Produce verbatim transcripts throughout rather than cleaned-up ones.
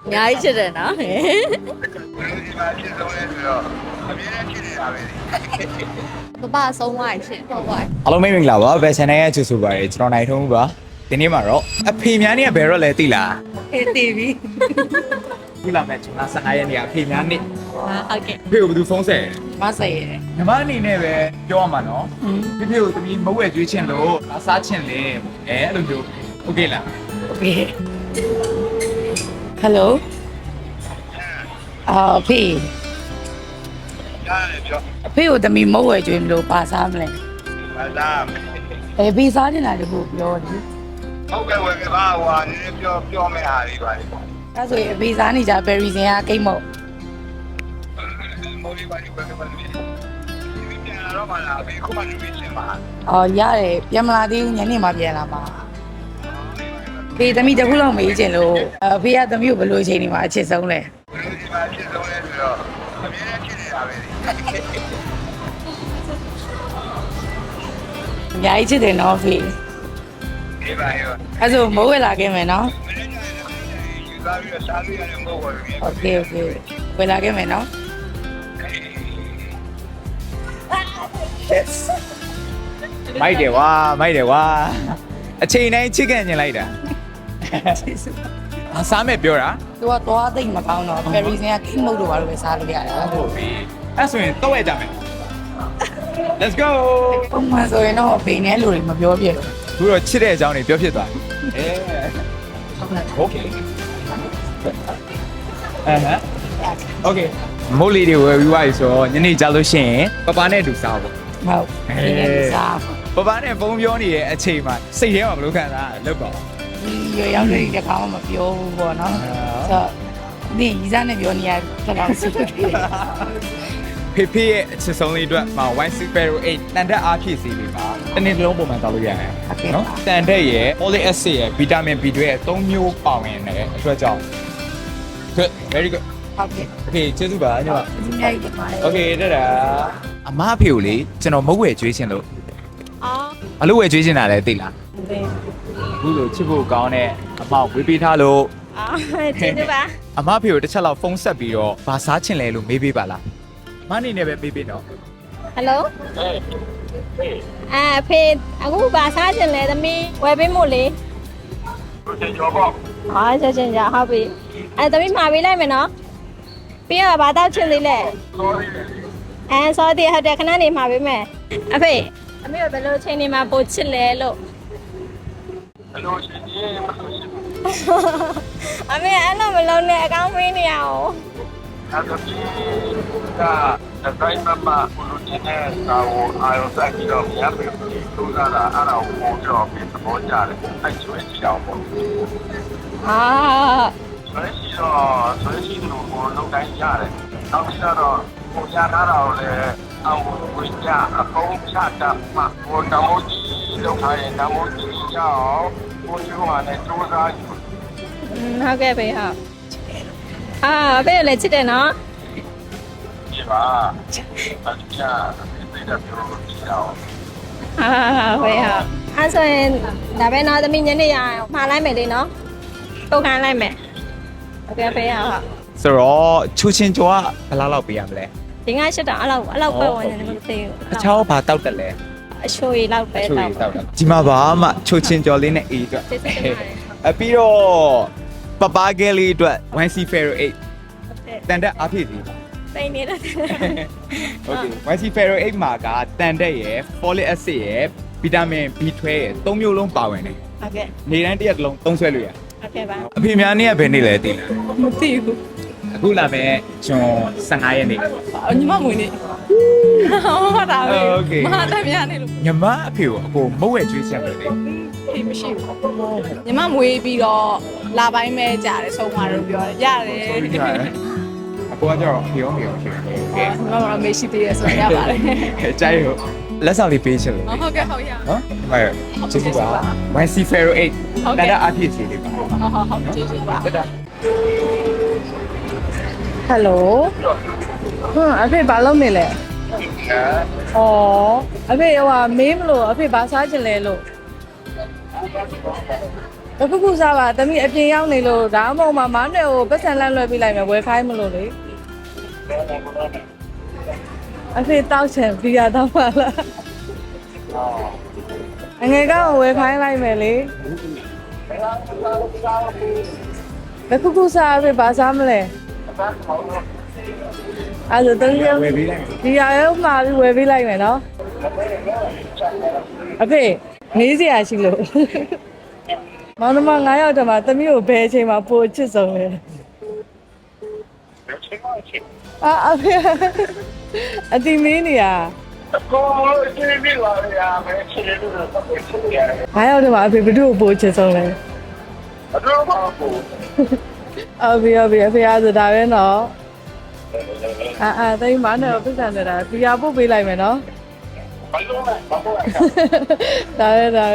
ညာကြီးချစ်တယ်နော်ဘယ်လိုဒီမှာဖြစ်ဆုံးလဲဆိုတော့အမြဲတမ်းဖြစ်နေတာပဲလေပပဆုံးသွားရင်ရှင်ဟုတ်ပါအားလုံးမင်္ဂလာပါဘယ် channel ရဲ့ချူဆိုပါရကျွန်တော်နိုင်ထုံးပါဒီနေ့မှာတော့အဖေများနေကဘယ်တော့လဲသိလားအေးတည်ပြီခုလာမဲ့ကျွန်တော်ဆန္ဒရဲ့နေကအဖေများနေဟုတ်ကဲ့ဖေကိုဘယ်သူဖုန်းဆက်မဆက်ရယ်ညီမအနေနဲ့ပဲပြောရမှာနော်ဖေဖေကိုတမီးမဝဲကျွေးချင်လို့အစားချင်လေအဲအဲ့လိုမျိုးโอเคလားโอเคဟယ်လိုအာဖေရတယ်ပြောအဖေကိုတမီမဟုတ်ဝယ်ကျွေးမလို့ပါစားမလဲဘာသာအဲဖေးစားနေတာတခုပြောတယ်ဟုတ်ကဲ့ဝယ်ကဘာဟွာနည်းနည်းပြောပြောမယ့်ဟာတွေပါလေအဲဆိုရင်အဖေးစားနေကြဘယ်ရီစင်ကကိတ်မဟုတ်မိုးလေးပါဒီဝယ်ကဘာလို့ဒီပြန်လာတော့မှလားဘယ်ခုမှလူကြီးချင်းပါအော်ရတယ်ပြန်မလာသေးဘူးညနေမှပြန်လာမှာဖေးတမီတခုလောက်မေးချင်လို့အဖေကတမီကိုဘယ်လိုချိန်နေမှာအချစ်ဆုံးလဲဘယ်လိုဒီမှာဖြစ်ဆုံးလဲဆိုတော့အမြဲတမ်းဖြစ်နေတာပဲလေအများကြီးချစ်တယ်နော်ဖေးဒီပါရောအဲဆိုမိုးဝယ်လာခဲ့မယ်နော်မင်းတို့ယူသားပြီးတော့စားလို့ရတယ်မဟုတ်ပါဘူးโอเคโอเคဝယ်လာခဲ့မယ်နော် yes မိုက်တယ်ကွာမိုက်တယ်ကွာအချိန်တိုင်းချစ်ကန်ညင်လိုက်တာအစားမဲ့ပြောတာသူကသွားသိမ့်မကောင်းတော့ဖယ်ရီစင်ကကိတ်မုတ်တော့ဘာလို့ပဲစားလို့ရတယ်ဟုတ်ပြီအဲ့ဆိုရင်တော့ရကြမယ် let's go ပုံမှန်ဆိုရင်တော့ဖေနဲ့လူတွေမပြောပြဘူးခုတော့ချစ်တဲ့အကြောင်းတွေပြောဖြစ်သွားပြီအဲโอเคအဲဟမ်โอเคမိုးလေးတွေဝယ်ပြီးသွားပြီဆိုတော့ညနေကြလို့ရှိရင်ပပနဲ့အတူစားဖို့ဟုတ်ဒီနေ့စားပပနဲ့ဖုန်းပြောနေတဲ့အချိန်မှာစိတ်ထဲမှာဘယ်လိုခံစားရလဲလောက်ပါဒီရွယ်ရောက်နေတဲ့ကောင်မှမပြောဘူးပေါ့နော်ဆိုတော့ဒီရီစားနဲ့ပြောနေရတော့စုတယ်ဖေဖေရဲ့အချစ်ဆုံးလေးအတွက်မှာ one super eight တန်တက်အားဖြည့်စီလေးပါတနေ့တစ်လုံးပုံမှန်တောက်လို့ရတယ်နော်တန်တက်ရဲ့ folic acid ရဲ့ vitamin B တွေရဲ့သုံးမျိုးပါဝင်တဲ့အတွက်ကြောင့် good very good ဟုတ်ကဲ့ okay ကျေးဇူးပါညီမဒီနေ့ဒီမှာ okay တက်တာအမအဖေကိုလေကျွန်တော်မဟုတ်ဝယ်ကျွေးချင်လို့အော်အလို့ဝယ်ကျွေးချင်တာလဲသိလားဘယ်အခုလိုချစ်ဖို့ကောင်းတဲ့အမောက်ဝေးပေးထားလို့အော်ကျေးဇူးပါအမအဖေကိုတစ်ချက်လောက်ဖုန်းဆက်ပြီးတော့ဘာစားချင်လဲလို့မေးပေးပါလားမအနေနဲ့ပဲမေးပေးတော့ဟယ်လိုအဲဖေအခုဘာစားချင်လဲသမီးဝယ်ပေးမို့လေကိုချင်ကြောပေါ့ဟာချက်ချင်းကြဟုတ်ပြီအဲသမီးမှာပေးလိုက်မယ်နော်ပြီးတော့ဘာတောက်ချင်သေးလဲ sorry အဲစောတည်းဟုတ်တယ်ခဏနေမှာပေးမယ်အဖေအမေကဘယ်လိုချိန်နေမှာပို့ချစ်လဲလို့ဘယ်လိုရှင်ကြီးမလို့ရှင်အမေအဲ့လိုမလုံးနဲ့အကောင်းမင်းနေရအောင်အဲ့တော့ဒီကဒိုင်းမမဘလူတင်တဲ့ကာကိုအာရုံစိုက်ပြီးတော့မြတ်ပြီးသူကလာအဲ့ဒါကိုပုံကြောပြီးသဘောကျတယ်အဲ့ကျွေးကြည့်အောင်ပေါ့ဟာဆိုရင်ရှိတော့ဆိုရင်ရှိလို့ကိုလုံးတိုင်းရတယ်နောက်ပြီးတော့ကိုရထားတာကိုလည်းအောင်ကိုကြအကုန်ချတတ်မှကိုတမိုးကြီးလောက်ထားရင်တမိုးကြီးချအောင်ကိုကြီးကလည်းစူးစမ်းယူဟုတ်ကဲ့ဖေဟုတ်အာအဖေလည်းချစ်တယ်နော်ဒီပါအချာဒီတဲ့ပြောလို့ကြည့်အောင်ဟာဖေဟုတ်အဲ့ဆိုရင်ဒါပဲနော်သမီးညနေရအောင်မှားလိုက်မယ်လေနော်ပုတ်ခိုင်းလိုက်မယ်ဟုတ်ကဲ့ဖေဟုတ်ဆိုတော့ချူချင်းကျော်ကဘယ်လောက်လောက်ပေးရမလဲဒီငါရှစ်တောင်အဲ့လောက်အဲ့လောက်ပဲဝင်နေတယ်မသိဘူးအချောင်းဘာတောက်တယ်လဲအချိုရည်လောက်ပဲချူတောရီက်တောက်တယ်ဒီမှာဘာမှချူချင်းကျော်လေးနဲ့အေးအတွက်စစ်စစ်ပါတယ်အပြီးတော့ပပကဲလေးအတွက် one C Ferro eight တန်တက်အားဖြည့်စီစိတ်နေတဲ့ okay one C Ferro eight မှာကတန်တက်ရယ် folic acid ရယ် vitamin B twelve ရယ်သုံးမျိုးလုံးပါဝင်တယ်ဟုတ်ကဲ့နေတိုင်းတစ်ရက်တစ်လုံးသုံးဆွဲလို့ရဟုတ်ကဲ့ပါအဖေများနေ့ကဘယ်နေ့လဲသိလားမသိဘူးအခုလာမယ်ကျွန်ဆယ်ငါရက်နေ့ညီမမွေးနေဟုတ်တာပဲโอเคမဟာတမ်းများနေလို့ညီမအဖေကိုအကိုမုတ်ဝဲကျွေးချက်ပဲလေဖေးမရှိဘူးညီမမွေးပြီးတော့လာပိုင်းပဲကြာတယ်ဆုံးသွားလို့ပြောတယ်ရတယ်ဆိုပြီးကြတယ်အကိုကကြောက်ဖြေအောင်ဖြေအောင်ဖြေအောင်ကဲညီမကတော့မေးရှိသေးတယ်ဆိုရပါတယ်ကြိုက်ဟုတ်လက်ဆောင်လေးပေးချင်လို့ဟုတ်ကဲ့ဟုတ်ရနော်ဟုတ်ကျေးဇူးပါ one C Ferro eight ဟုတ်ကဲ့တန်တက်အားဖြည့်စီလေးပါဟုတ်ဟုတ်ဟုတ်ကျေးဇူးပါတက်တာဟယ်လိုဟမ်အဖေဘာလုပ်နေလဲဩအဖေဟိုဟာမေးမလို့အဖေဘာစားချင်လဲလို့ဘခုခုစားပါသမီးအပြင်ရောက်နေလို့ဒါမှမဟုတ်မမောင်နဲ့ကိုပတ်စံလန့်လွှဲပေးလိုက်မယ်ဝယ်ခိုင်းမလို့လေအဖေတောက်ချင်ဘီယာတောက်ပါလားအငယ်ကောင်ဝယ်ခိုင်းလိုက်မယ်လေဘခုခုစားအဖေဘာစားမလဲအဲ့ဒါတော့ဝယ်ပေးလိုက်ဒီရရုံမှာဝယ်ပေးလိုက်မယ်နော်အဖေမေးစရာရှိလို့မောင်နှမငါးယောက်တည်းမှာသမီးကိုဘယ်အချိန်မှာပိုချစ်ဆုံးလဲအာအဖေအတိမင်းနေရကိုယ်စီးပြီးလာရမယ်ချစ်တယ်လို့တော့ပြောချင်တယ်ငါးယောက်တည်းမှာအဖေဘယ်သူ့ကိုပိုချစ်ဆုံးလဲအတော့ပါဘူးအဖေအဖေအဖေအားဆိုတာပဲနော်အာအာတိမ်မနဲ့ပတ်စံနေတာဘီယာပို့ပေးလိုက်မယ်နော်ဘာလို့လဲဘာလို့လဲဒါပဲဒါပဲ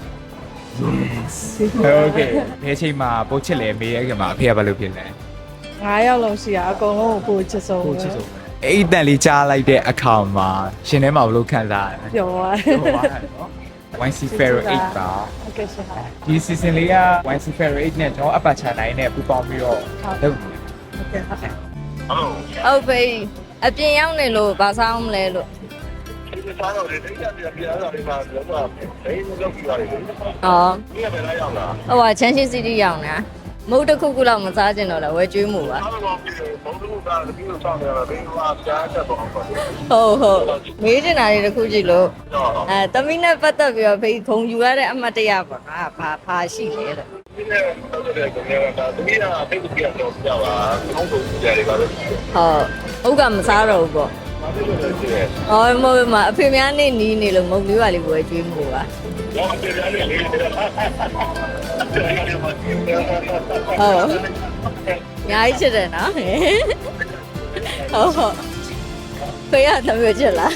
โอเคဘယ်ချိန်မှာပို့ချစ်လဲမေးရခင်မှာအဖေကဘာလုပ်ဖြစ်လဲငါးယောက်လုံးရှိတာအကုန်လုံးကိုပိုချစ်ဆုံးပို့ချစ်ဆုံးအဲ့ဒီတန်လေးကြားလိုက်တဲ့အခါမှာရှင်ထဲမှာဘယ်လိုခံစားရလဲပြောသွားပြောပါနော် ဝိုင် စီ Ferro eight ပါဟုတ်ကဲ့ရှင်ပါဒီ season လေးက ဝိုင် စီ Ferro eight နဲ့ကျွန်တော်အပတ်ချာနိုင်နဲ့ပူပေါင်းပြီးတော့လုပ်နေတယ်ဟုတ်ကဲ့ဟုတ်ကဲ့ဟုတ်ပြီအပြင်ရောက်နေလို့ဗာစားအောင်မလဲလို့ဒီစားတော့လေတိတ်ကြပြပြတာတွေမှာတော့တော့ဘယ်လိုလုပ်ကြည့်ရလဲဒီဩကဘယ်လာရောက်လာဟိုကချမ်းရှိစီတီရောက်နေတာမုတ်တစ်ခုခုလောက်မစားကျင်တော့လဲဝဲကျွေးမှုပါအားလုံးပြီးဘုံတို့ကလည်းပြီးတော့ဆောင်းနေတာဘယ်လိုအားကြားချက်တော့ပေါ့ဟုတ်ဟုတ်မေးချင်တာတွေတစ်ခုကြည့်လို့အဲတမီးနဲ့ပတ်သက်ပြီးတော့ဖေးခုံယူရတဲ့အမှတ်တရပါငါဘာဘာရှိလဲတဲ့ဒီနေ့တော့တဲ့ကောင်ကတမီးကတိတ်ပြတော့ပြပါအောင်လို့ကြရတယ်ပါလို့ဟုတ်ဟုတ်ကမစားတော့ဘူးပေါ့ဘာလို့လဲဆိုရဲဟောမဟုတ်မအဖေများနေနီးနေလို့မုတ်လေးပါလေးဝဲကျွေးမှုပါတော့ပြရတယ်လေဟုတ်ညာကြီးချစ်တယ်နော်ဟုတ်ဟုတ်ဖေးရသမီးချစ်လား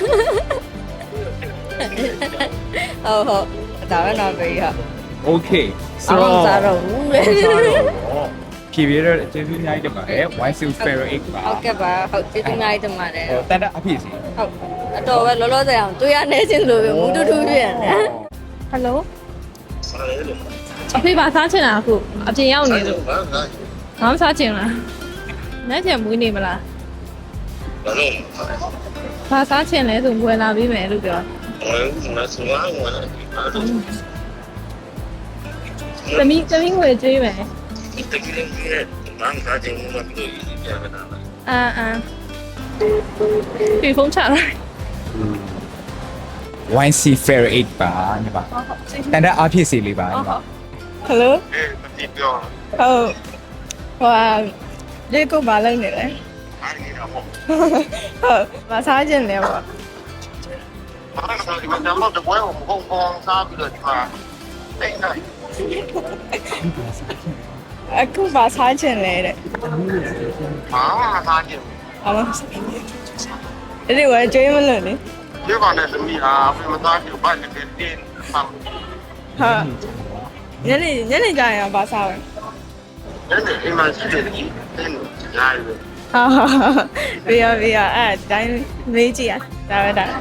ဟုတ်ဟုတ်ဒါပဲနော်ဖေးရโอเคအမှမစားတော့ဘူးလေဖြည့်ပြတော့ကျေးဇူးအများကြီးတင်ပါတယ် ဝိုင် စီ Ferro eight ပါဟုတ်ကဲ့ပါဟုတ်ကျေးဇူးများကြီးတင်ပါတယ်ဟိုတန်တဲ့အဖြစ်စီဟုတ်အတော်ပဲလောလောဆယ်အောင်တွေ့ရနေချင်းလို့ပဲမူတူတူပြည့်နေဟယ်လိုဆက်ရလို့အဖေပါစားချင်တာအခုအပြင်ရောက်နေလို့ဘာသာငါမစားချင်လားလက်ချင်မွေးနေမလားဘာလို့ဘာစားချင်လဲဆိုဝင်လာပြီးမယ်လို့ပြောဘာမစလာဝါလာဘာလို့သမီးသမီးငွေကျွေးမယ်ဒီတကယ်ကြီးရဲ့မန်ကားချင်းမလို့ဒီပြရတာလားအာအာဒီဖုန်းချလိုက်ဝိုင် စီ Ferro eight ပါညီပါတန်တဲ့အဖြစ်စီလေးပါညီပါဟယ်လိုအေးမတိပြောဟုတ်ဟိုလေကိုမလိုက်နေလဲအားရတာပေါ့ဟုတ်မစားခြင်းလဲပေါ့ဘာသာဆိုဒီမှာတော့တပွဲကိုမဟုတ်ဘောင်းစားပြီးတော့ဒီမှာတိတ်နိုင်အခုမစားခြင်းလဲတဲ့ဘာမှစားကြည့်ဘာမှအဲ့ဒီဝဲကျွေးမလို့လေဒီကောင်နဲ့သမီးဟာဘယ်မှာသားကြည့်ဘာလဲတင်းတင်းမှဟာညနေညနေကြရင်ဘာစားလဲအဲ့ဒါအိမ်မှာရှိတယ်ကြီးတင်းညာရယ်ဟာဘေးရဘေးရအဲ့တိုင်းမေးကြည့်ရဒါပဲဒါ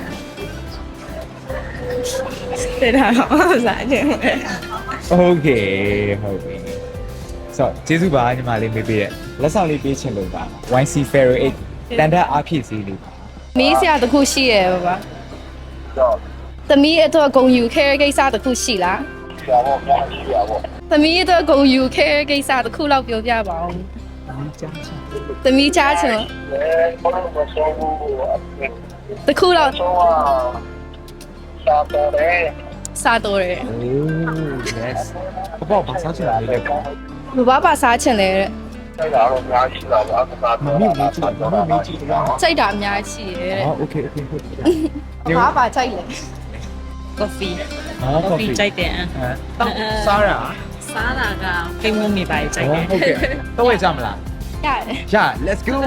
တဲ့ဒါတော့စားခြင်းလဲโอเคဟုတ်ပြီဆိုတော့ကျေးဇူးပါညီမလေးမေးပေးတဲ့လက်ဆောင်လေးပေးချင်လို့ပါ ဝိုင် စီ Ferro eight တန်တဲ့အဖြစ်စီလေးပါမီးစရာတစ်ခုရှိရဲ့ပါပါသမီးအတွက်ဂုံယူခဲကိစ္စတစ်ခုရှိလားဆရာပေါ့ညာရှိရပေါ့သမီးအတွက်ဂုံယူခဲကိစ္စတစ်ခုလောက်ပြောပြပါဦးသမီးချားချင်အဲဘာလို့မဆောဘူးတစ်ခုလောက်ဆောစာပေါ်တယ်စားတော့တယ်โอ้ yes ဘောဘာစားချင်လေးလဲပေါ့ဘဘာပါစားချင်လဲတဲ့အဲ့ဒါတော့ညာရှိတာပါအခါမမေ့မေ့ကြည့်မမေ့မေ့ကြည့်တော့စိတ်ဓာတ်အများကြီးရှိရဲ့อ๋อโอเคโอเคဟုတ်ပြီဘာပါကြိုက်လဲ coffee อ๋อ coffee ကြိုက်တယ်အတော့စားရစားတာကကိန်းမုံနေပါကြိုက်တယ်ဟုတ်ကဲ့တော့ဝယ်ကြမလားရတယ်ရ let's go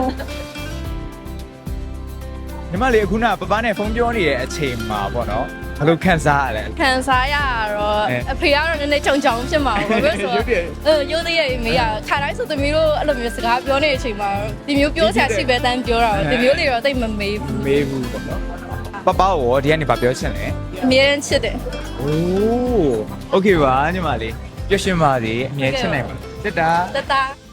ညီမလေးအခုနပပနဲ့ဖုန်းပြောနေတဲ့အချိန်မှာပေါ့နော်ဘယ်လိုခံစားရလဲခံစားရတော့အဲအဖေကတော့နည်းနည်းချုံချုံဖြစ်မှာပါဘာလို့လဲဆိုရုပ်တရက်တော့အဲရိုးသေးရဲ့မေးရခါတိုင်းဆိုသမီးတို့အဲ့လိုမျိုးစကားပြောနေတဲ့အချိန်မှာဒီမျိုးပြောဆရာရှိပဲတန်းပြောတာဒီမျိုးလေးတော့တိတ်မမေးဘူးမေးဘူးပေါ့နော်ပပရောဒီကနေဗာပြောချင်လဲအမြဲတမ်းချစ်တယ်โอ้โอเคပါညီမလေးပျော်ရွှင်ပါစေအမြဲချစ်နိုင်ပါတက်တာတတ